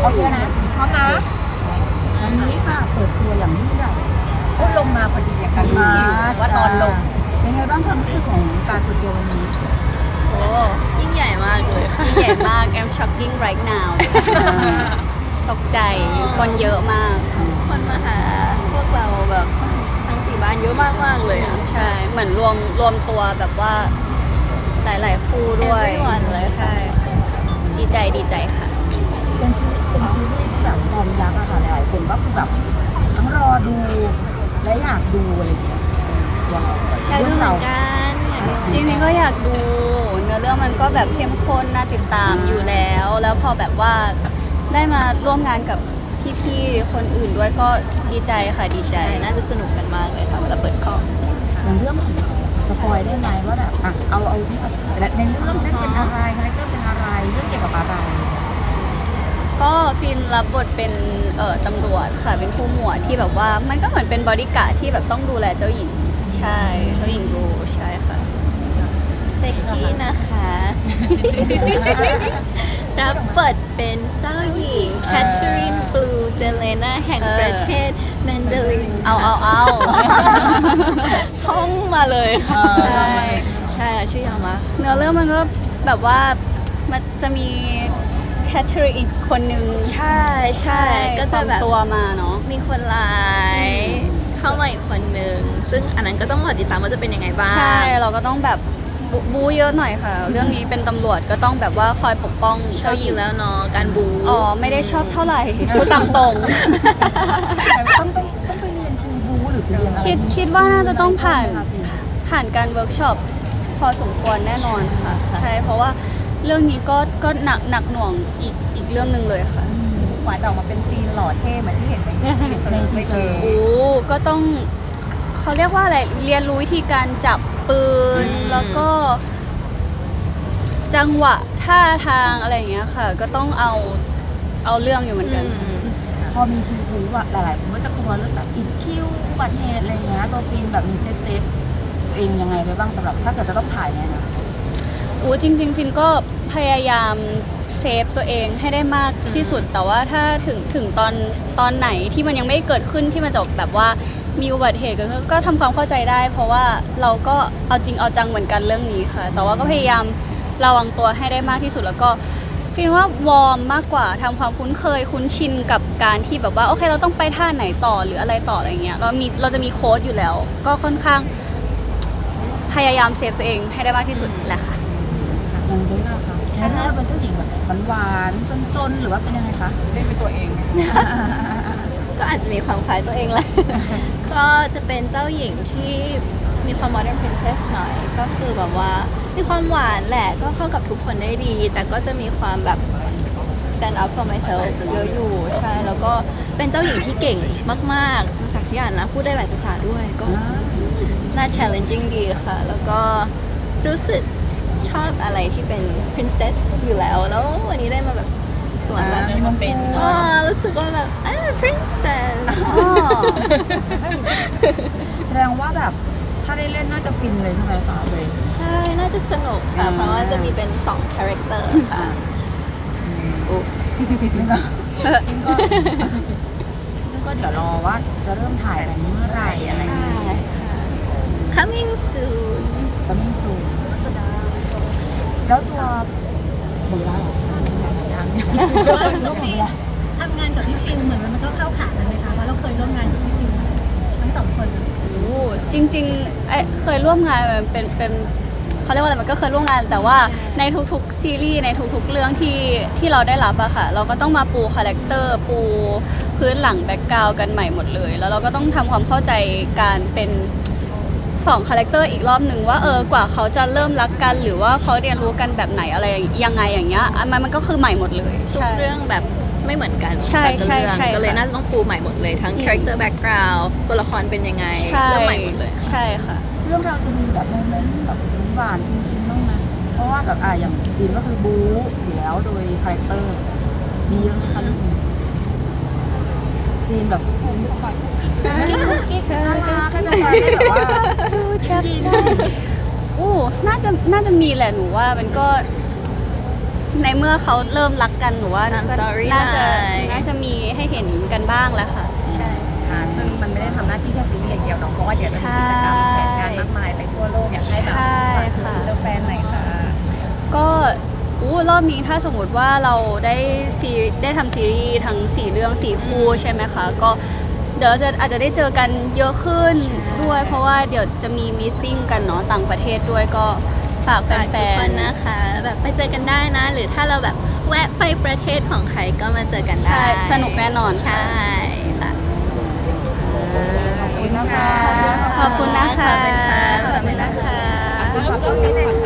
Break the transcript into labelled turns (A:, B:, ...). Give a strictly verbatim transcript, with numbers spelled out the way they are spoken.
A: โอเคนะพร้อมนะวันนี้ค่ะเปิดตัวอย่างยิ่งใหญ่ก็ลงมาพอดีอย่างกันรู้คิวว่าตอนลงเป็นไงบ้างความรู้สึกของการเปิดตัววันนี้
B: โอ้ยิ่งใหญ่มากเลยค่ะยิ่งใหญ่มาก I'm shocking right now ตกใจคนเยอะมากคนมาหาพวกเราแบบทั้งสี่บ้านเยอะมากมากเลยอ่ะใช่เหมือนรวมรวมตัวแบบว่าหลายๆคู่ด้วย
C: everyone เลยค่ะ
B: ใช่ดีใจดีใจค่ะ
A: เป็นซีเป็นซีรีส์ที่แบบฟอร์มยักษ์อะค่ะหลายๆคนก็คือแบบทั้งรอดูและอยากดูอะไรอย่างเงี้ยว้าว
B: อยากดูเหมือนกันจริงๆก็อยากดูเนื้อเรื่องมันก็แบบเข้มข้นน่าติดตามอยู่แล้ว แล้วพอแบบว่าได้มาร่วมงานกับพี่ๆคนอื่นด้วยก็ดีใจค่ะดีใจ
C: น่าจะสนุกกันมากเลยค่ะเวลาเปิดกล้อง
A: อย่างเรื่องของสปอยได้ไหมว่าแบบอ่ะเอาเอาที่แบบในเรื่องนั้นเป็นอะไรคาแรคเตอร์เป็นอะไรเรื่องเกี่ยวกับอะไร
B: ก็ฟินรับบทเป็นเอ่อตำรวจค่ะเป็นผู้หมวดที่แบบว่ามันก็เหมือนเป็นบอดี้การ์ดที่แบบต้องดูแลเจ้าหญิงใช่เจ้าหญิงรูใช่ค่ะ
C: เซ็กกี้นะคะ รับบทเป็นเจ้าหญิงแคทเธอรีนบลูเจเลนาแห่งประเทศแมนดาริน
B: เอาเอาเอา
C: ท่องมาเลยค่ะ
B: ใช่
C: ใช่ชื่อยาวมาก
B: เนื้อเรื่องมันก็แบบว่ามันจะมีแคทเธอรีนอีกคนนึง
C: ใช่ใช่ก็จะแบบ
B: ปลอมตัวมาเนาะ
C: มีคนร้ายเข้ามาอีกคนนึงซึ่งอันนั้นก็ต้องรอติดตามว่าจะเป็นยังไงบ้าง
B: ใช่เราก็ต้องแบบบูบูเยอะหน่อยค่ะ เรื่องนี้เป็นตำรวจก็ต้องแบบว่าคอยปกป้อง
C: ชอ
B: เจ้า
C: บ
B: ห
C: อ
B: ญิง
C: ยู่แล้วเนาะการบู
B: อ๋อไม่ได้ชอบเท่าไหร่พูดตามตรง
A: แต่ต้องต้องต้องไปเรียนคิวบูหรือไปเรียนอะไร
B: คิดคิดว่าน่าจะต้องผ่านผ่านการเวิร์กช็อปพอสมควรแน่นอนค่ะ ใช่เพราะว่าเรื่องนี้ก็ก็หนักหนักหน่วงอีกอีกเรื่องหนึ่งเลยค่ะ
A: กว่าจะออกมาเป็นซีนหล่อเท่เหมือนที่เห็นในในทีเซอร์
B: โอ้ก็ต้องเขาเรียกว่าอะไรเรียนรู้วิธีการจับปืน แล้วก็ จังหวะท่าทางอะไรอย่างเงี้ยค่ะ ก็ต้องเอาเอาเรื่องอยู่เหมือนกันค่ะ
A: พอมีคิวบูอะหลายๆคนก็จะกลัวเรื่องแบบอีกคิวอุบัติเหตุอะไรเงี้ยตัวฟิล์มแบบมีเซฟเซฟตัวเองยังไงไปบ้างสำหรับถ้าเกิดจะต้องถ่ายเนี่ยนะ
B: โอ้จริงๆฟินก็พยายามเซฟตัวเองให้ได้มากที่สุด แต่ว่าถ้าถึงถึงตอนตอนไหนที่มันยังไม่เกิดขึ้นที่มันจะแบบว่ามีอุบัติเหตุเกิดขึ้นก็ทำความเข้าใจได้ เพราะว่าเราก็เอาจริงเอาจังเหมือนกันเรื่องนี้ค่ะ แต่ว่าก็พยายามระวังตัวให้ได้มากที่สุดแล้วก็ฟินว่าวอร์มมากกว่าทำความคุ้นเคยคุ้นชินกับการที่แบบว่าโอเคเราต้องไปท่าไหนต่อหรืออะไรต่ออะไรเงี้ยเรามีเราจะมีโค้ดอยู่แล้ว ก็ค่อนข้างพยายามเซฟตัวเองให้ได้มากที่สุดแหละค่ะ
A: ยังได้ไหมคะแล้วถ้าเป็นเจ้าหญิงแบบหวานๆซนๆหรือว่าเป็นยังไงคะเล่นเป็นตัวเอง
C: ก็อาจจะมีความคล้ายตัวเองแหละ ก็จะเป็นเจ้าหญิงที่มีความ modern princess หน่อย ก็คือแบบว่ามีความหวานแหละ ก็เข้ากับทุกคนได้ดี แต่ก็จะมีความแบบ stand up for myself เยอะอยู่ ใช่ แล้วก็เป็นเจ้าหญิงที่เก่งมากๆจากที่อ่านนะ พูดได้หลายภาษาด้วย ก็น่า challenging ดีค่ะ แล้วก็รู้สึกชอบอะไรที่เป็น princess อยู่แล้ว แล้ววันนี้ได้มาแบบสวนแบบ
A: มีมงเป็น
C: อ๋อรู้สึกว่าแบบอ่า princess
A: แสดงว่าแบบถ้าได้เล่นน่าจะฟินเลยใช่ไหมคะเบย์
C: ใช่ น่าจะสนุกค่ะ เพราะว่าจะมีเป็นสองคาแรคเตอร์ค่ะโอ้
A: ซึ่งก็ซึ่งก็ซึ่งก็เดี๋ยวรอว่าจะเริ่มถ่ายอะไรเมื่อไหร่อะไรอย่าง
C: ใช่
A: เงี้ย
C: ค่ะ coming soon
A: ก็ไม่สูงแล้วตัวหมดแล้วยังลูกหมดแล้ว
D: ทำงานกับพี่ฟิลเหมือนมันก็เข้าขากันไหมคะเพราะเราเคยร่วมงานกับพี่ฟิลทั้งสองคน
B: โอ้จริงๆเอ้ยเคยร่วมงานมันเป็นเป็นเขาเรียกว่าอะไรมันก็เคยร่วมงานแต่ว่าในทุกๆซีรีส์ในทุกๆเรื่องที่ที่เราได้รับอะค่ะเราก็ต้องมาปูคาแรคเตอร์ปูพื้นหลังแบ็กกราวด์กันใหม่หมดเลย แล้วเราก็ต้องทำความเข้าใจการเป็นสองคาแรคเตอร์อีกรอบหนึ่งว่าเออกว่าเขาจะเริ่มรักกันหรือว่าเขาเรียนรู้กันแบบไหนอะไรยังไงอย่างเงี้ยอันมันมันก็คือใหม่หมดเลย
C: ทุก
B: ใช่
C: เรื่องแบบไม่เหมือนกัน
B: ใช่
C: แต่ละ
B: ใช่
C: เรื่อง
B: ใช่
C: ก็เลย
B: ค่ะ
C: น่าจะต้องปูใหม่หมดเลย ทั้ง character background ตัวละครเป็นยังไง
B: ใช่
C: เรื่องใหม่หมดเลย
B: ใช่ค่ะ
A: เรื่องเราวจะมีแบบโมเมนต์แบบหวานจริงๆบ้างไหมเพราะว่าแบบอ่ะอย่างฟิล์มก็คือบู๊อยู่แล้วโดยคาแรคเตอร์มีเยอะไหมคะเรื่องนี้ซีนแบบกิ๊กกิ๊กน่ารักให้เป็นแฟนได้แบบว่า
B: จูจับใจอู้น่าจะน่าจะมีแหละหนูว่ามันก็ในเมื่อเขาเริ่มรักกันหนูว่า
C: ตาม
B: ก็
C: storyline
B: น่าจะน่าจะมีให้เห็นกันบ้างแหละค่ะ
C: ใช่
A: อ่าซึ่งมันไม่ได้ทำหน้าที่แค่ซีรีส์อย่างเดียวเนาะเพราะว่าเดี๋ยวจะมีกิจกรรมแชร์งานมากมายไปทั่วโลกอยากให้แบบ
B: ใช่
A: ฝาก
B: ค่ะ
A: ถึงเรื่องแฟนหน่อยค่ะ
B: ก็อู้รอบนี้ถ้าสมมติว่าเราได้ซีได้ทำซีรีส์ทั้งสี่เรื่องสี่คู่ใช่ไหมคะ ก็เดี๋ยวเราจะอาจจะได้เจอกันเยอะขึ้นด้วย เพราะว่าเดี๋ยวจะมีมีตติ้งกันเนาะต่างประเทศด้วยก็ฝากแ
C: ฝาก
B: ฟ
C: ทุกคน
B: นๆ
C: นะคะ แบบไปเจอกันได้นะ หรือถ้าเราแบบแวะไปประเทศของใครก็มาเจอกันได้
B: ใช่สนุกแน่นอนค่ะ
C: ใช่ค่ะ
A: ขอบคุณนะคะ
B: ขอบคุณนะคะ
C: ขอบคุณค่ะขอบคุณนะคะ
A: ก็ขอบคุณจากฝั่ง